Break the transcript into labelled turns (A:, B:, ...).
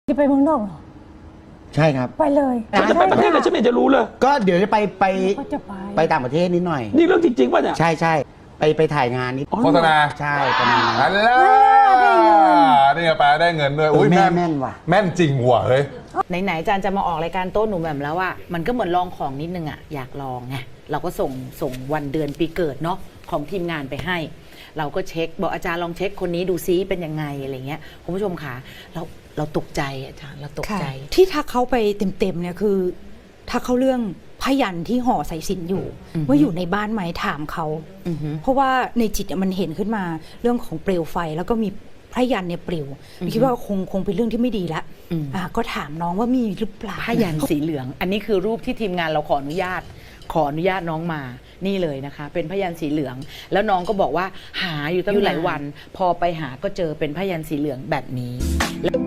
A: จะไปเมืองนอกเหรอ
B: ใช่ครับ
A: ไปเลย
C: ฉันจะไปประเทศอะไรฉันไม่เห็นจะรู้เลย
B: ก็เดี๋ยวจะ
A: ก็จะไป
B: ไปต่างประเทศนิดหน่อย
C: นี่เรื่องจริงๆป่ะเนี่ย
B: ใช่ใช่ไปถ่ายงานนิด
C: อ๋อ
D: โฆษณา
B: ใช่ประมาณนั้น
D: อันล่ะนี่ไงแปลได้เงินด้วย
B: อุ้ย
D: แม่
B: แม่นว่ะ
D: แม่นจริงว่ะเฮ้ย
E: ไหนๆอาจารย์จะมาออกรายการโต้หนูแบบแล้วอะมันก็เหมือนลองของนิดนึงอะอยากลองไงเราก็ส่งวันเดือนปีเกิดเนาะของทีมงานไปให้ เราก็เช็คบอกอาจารย์ลองเช็คคนนี้ดูซิเป็นยังไงอะไรเงี้ยคุณผู้ชมคะเราตกใจอาจารย์เราตกใจ
A: ที่ทักเขาไปเต็มๆเนี่ยคือทักเขาเรื่องพยันที่ห่อสายสิญจน์อยู่ ว่าอยู่ในบ้านไหมถามเขา
E: อือฮึ
A: เพราะว่าในจิตมันเห็นขึ้นมาเรื่องของเปลวไฟแล้วก็มีพยันเนี่ยปลิวคิดว่าคงเป็นเรื่องที่ไม่ดีละก็ถามน้องว่ามีหรือเปล่า
E: ผ้ายันสีเหลือง อันนี้คือรูปที่ทีมงานเราขออนุญาตน้องมานี่เลยนะคะ เป็นผ้ายันสีเหลือง แล้วน้องก็บอกว่าหาอยู่ตั้งหลายวัน พอไปหาก็เจอเป็นผ้ายันสีเหลืองแบบนี้